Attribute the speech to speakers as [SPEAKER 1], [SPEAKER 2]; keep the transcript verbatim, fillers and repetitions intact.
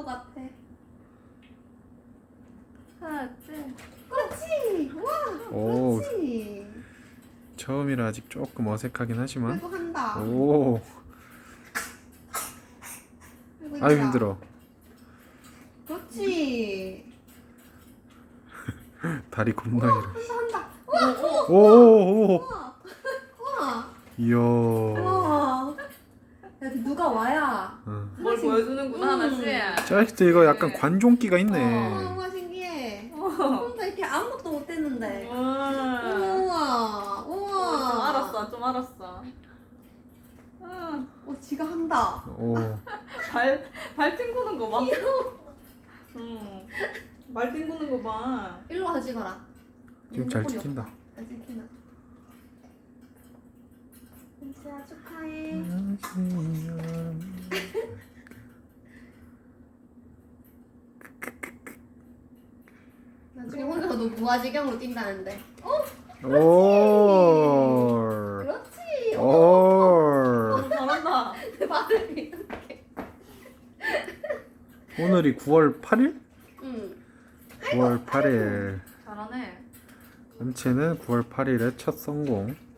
[SPEAKER 1] 것 같아.
[SPEAKER 2] 하나, 둘.
[SPEAKER 1] 그렇지. 와.
[SPEAKER 3] 오.
[SPEAKER 1] 그렇지.
[SPEAKER 3] 처음이라 아직 조금 어색하긴 하지만.
[SPEAKER 1] 그래도 한다.
[SPEAKER 3] 오.
[SPEAKER 1] 그리고
[SPEAKER 3] 아유
[SPEAKER 1] 있다.
[SPEAKER 3] 힘들어.
[SPEAKER 1] 그렇지.
[SPEAKER 3] 다리 겁나 길어.
[SPEAKER 1] 한다 한다. 와.
[SPEAKER 3] 오오오.
[SPEAKER 1] 우와. 우와.
[SPEAKER 3] 이야.
[SPEAKER 1] 우와. 야, 누가 와야.
[SPEAKER 3] 어.
[SPEAKER 2] 뭘 보여주는구나,
[SPEAKER 1] 음.
[SPEAKER 2] 하나씩.
[SPEAKER 3] 짜릿해. 이거 약간 관종기가 있네.
[SPEAKER 1] 우와, 우와 신기해. 혼자 이렇게 아무것도 못했는데.
[SPEAKER 2] 음.
[SPEAKER 1] 우와.
[SPEAKER 2] 좀
[SPEAKER 1] 우와.
[SPEAKER 2] 알았어, 좀 알았어. 음.
[SPEAKER 1] 어, 지가 한다.
[SPEAKER 3] 오.
[SPEAKER 2] 발, 발 튕구는 거 봐. 음. 발 튕구는 거 봐.
[SPEAKER 1] 일로 와 찍어라.
[SPEAKER 3] 지금 잘 찍힌다.
[SPEAKER 1] 잘 찍힌다. 은지야 축하해. 나중에 혼자서 너 무아지경으로 뛴다는데. 어?
[SPEAKER 3] 오.
[SPEAKER 1] 그렇지. 어.
[SPEAKER 3] 오.
[SPEAKER 2] 어, 잘한다.
[SPEAKER 1] 내 발을 이렇게.
[SPEAKER 3] 오늘이 구월 팔일?
[SPEAKER 1] 응.
[SPEAKER 3] 구월 팔일.
[SPEAKER 2] 잘하네.
[SPEAKER 3] 은채는 구월 팔일에 첫 성공.